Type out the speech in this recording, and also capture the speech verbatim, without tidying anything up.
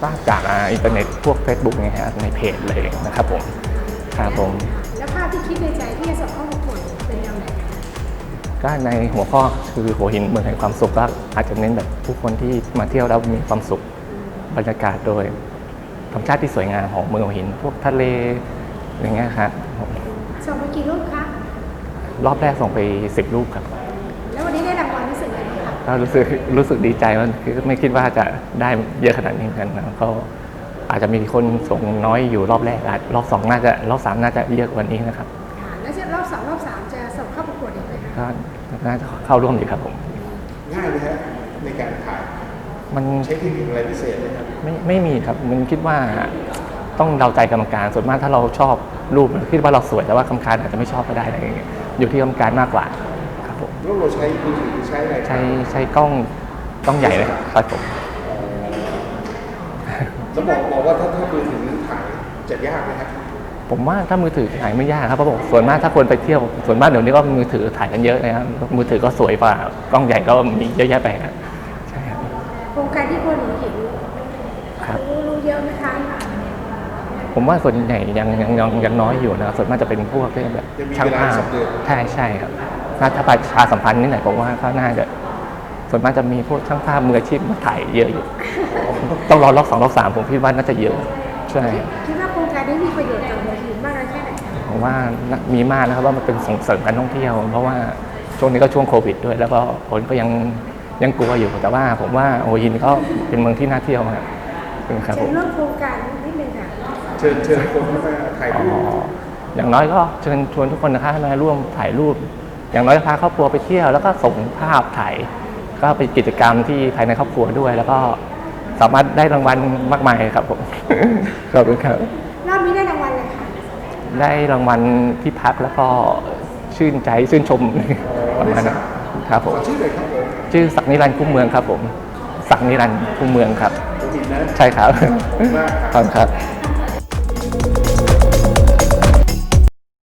ทราบจากอินเทอร์เน็ตพวก Facebook เนี่ยฮะในเพจเลยนะครับผมครับผมแล้วภาพที่คิดในใจที่จะส่งเข้าประกวดเป็นแนวไหนก็ในหัวข้อคือหัวหินเมืองแห่งความสุขก็อาจจะเน้นแบบผู้คนที่มาเที่ยวแล้วมีความสุขบรรยากาศโดยธรรมชาติที่สวยงามของเมืองหัวหินพวกทะเลอย่างเงี้ยครับส่งไปกี่รูปคะรอบแรกส่งไปสิบรูปครับแล้ววันนี้ได้รางวัลรู้สึกยังไงคะก็รู้สึกรู้สึกดีใจว่าคือไม่คิดว่าจะได้เยอะขนาดนี้เหมือนกันนะก็อาจจะมีคนส่งน้อยอยู่รอบแรกอาจรอบสองน่าจะรอบสามน่าจะเยอะกว่านี้นะครับแล้วจะรอบสองรอบสามจะส่งเข้าประกวดอีกไหมคะก็น่าจะเข้าร่วมดีครับผมง่ายไหมฮะในการถ่ายมันใช้เทคนิคอะไรพิเศษไหมครับไม่ไม่มีครับมันคิดว่าต้องเดาใจกรรมการส่วนมากถ้าเราชอบรูปคิดว่าเราสวยแต่ว่ากรรมการอาจจะไม่ชอบก็ได้อะไรอย่างเงี้ยอยู่ที่กรรมการมากกว่าครับผมแล้วเราใช้มือถือใช้อะไรใช้ใช้กล้องกล้องใหญ่เลยครับผมแล้วบอกบอกว่าถ้าถ้ามือถือถ่ายจะยากไหมครับผมว่าถ้ามือถือถ่ายไม่ยากครับเพราะผมส่วนมากถ้าคนไปเที่ยวส่วนมากเดี๋ยวนี้ก็มือถือถ่ายกันเยอะนะครับมือถือก็สวยกว่ากล้องใหญ่ก็มีเยอะแยะไปครับใช่ครับโครงการที่คนเห็นครับรู้เยอะไหมคะผมว่าส่วนใหญ่ยังยังยังยังน้อยอยู่นะส่วนมากจะเป็นพวกที่แบบช่างภาพใช่ใช่ครับถ้าประชาสัมพันธ์นี่ไหนผมว่าก็น่าจะส่วนมากจะมีพวกช่างภาพมืออาชีพมาถ่ายเยอะอยู่ต้องรอรอบสองรอบสามผมคิดว่าน่าจะเยอะใช่คิดว่าโครงการนี้มีประโยชน์กับเมืองหินมากน้อยแค่ไหนผมว่ามีมากนะครับว่ามันเป็นส่งเสริมการท่องเที่ยวเพราะว่าช่วงนี้ก็ช่วงโควิดด้วยแล้วก็คนก็ยังยังกลัวอยู่แต่ว่าผมว่าหัวหินก็เป็นเมืองที่น่าเที่ยวมากครับผมเรื่องโครงการนิดนึงค่ะเชิญเชิญคนมาถ่ายรูปอย่างน้อยก็เชิญชวนทุกคนนะคะมาร่วมถ่ายรูปอย่างน้อยพาครอบครัวไปเที่ยวแล้วก็ส่งภาพถ่ายก็เป็นกิจกรรมที่ภายในครอบครัวด้วยแล้วก็สามารถได้รางวัลมากมายครับผมขอบคุณครับรอบนี้ได้รางวัลอะไรคะได้รางวัลที่พักแล้วก็ชื่นใจชื่นชมประมาณนั้นครับผมชื่ออะไรครับผมชื่อศักดิ์นิรันดร์คุ้มเมืองครับผมศักดิ์นิรันดร์คุ้มเมืองครับใช่ครับขอบคุณครับ